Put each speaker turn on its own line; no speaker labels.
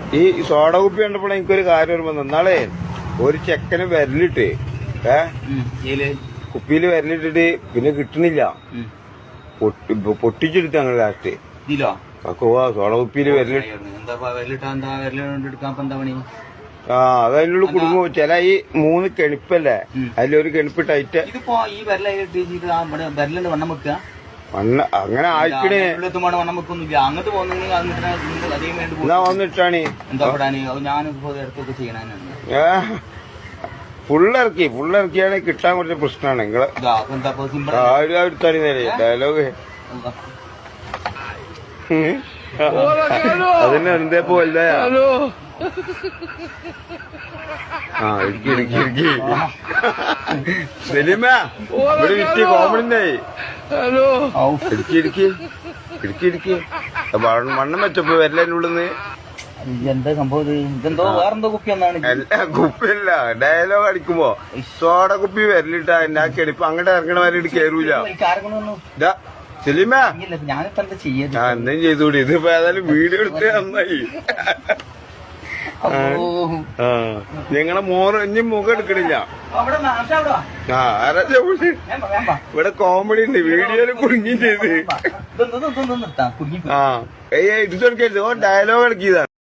ഈ സോഡ കുപ്പി കണ്ടപ്പോൾ എനിക്കൊരു കാര്യം ഓർമ്മ നാളെ ഒരു ചെക്കന് വിരലിട്ട് കുപ്പിയിൽ വിരലിട്ടിട്ട് പിന്നെ കിട്ടണില്ല. പൊട്ടിച്ചെടുത്ത് ഞങ്ങൾ ലാസ്റ്റ് സോഡ കുപ്പിയിൽ വിരലിട്ട് അത് അതിനുള്ള കുടുംബം ചില ഈ 3 കെണിപ്പല്ലേ അതിലൊരു കെണിപ്പ് ടൈറ്റ് മണ്ണ് അങ്ങനെ ആയിക്കണേ
അങ്ങോട്ട്
എന്നാ വന്നിട്ടാണ് ഫുള്ളിറക്കിയാണ് കിട്ടാൻ കുറച്ച് പ്രശ്നമാണ് നിങ്ങള് എടുത്താടി നേരെ ഡയലോഗ് അതിന് എന്തേ പോലെ ഇടുക്കി സലീമ ഇവിടെ വിറ്റ് കോമഡിണ്ടായി ഇടുക്കി മണ്ണം വെച്ചപ്പോ വരലതിന്റെ ഉള്ളിന്ന്
എന്താ സംഭവം ഇതെന്തോ വേറെന്തോ കുപ്പി ഒന്നാണ്
കുപ്പിയല്ല ഡയലോഗ് അടിക്കുമ്പോ സോഡ കുപ്പി വരലിട്ടാ എന്റെ ആ കെണിപ്പ് അങ്ങോട്ട് ഇറങ്ങണ വരെ കേറൂല സലീമ
ഞാനിപ്പോ എന്താ ചെയ്യാ
എന്തും ചെയ്തൂടി ഇതിപ്പോ ഏതായാലും വീഡിയോ എടുത്ത് നന്നായി. ഞങ്ങളെ ഇനി മുഖം എടുക്കണില്ല. ഇവിടെ കോമഡി ഉണ്ട് വീഡിയോയില് കുടുങ്ങി ചെയ്ത് ഇത് ഡയലോഗ് ഇറക്കിയതാണ്.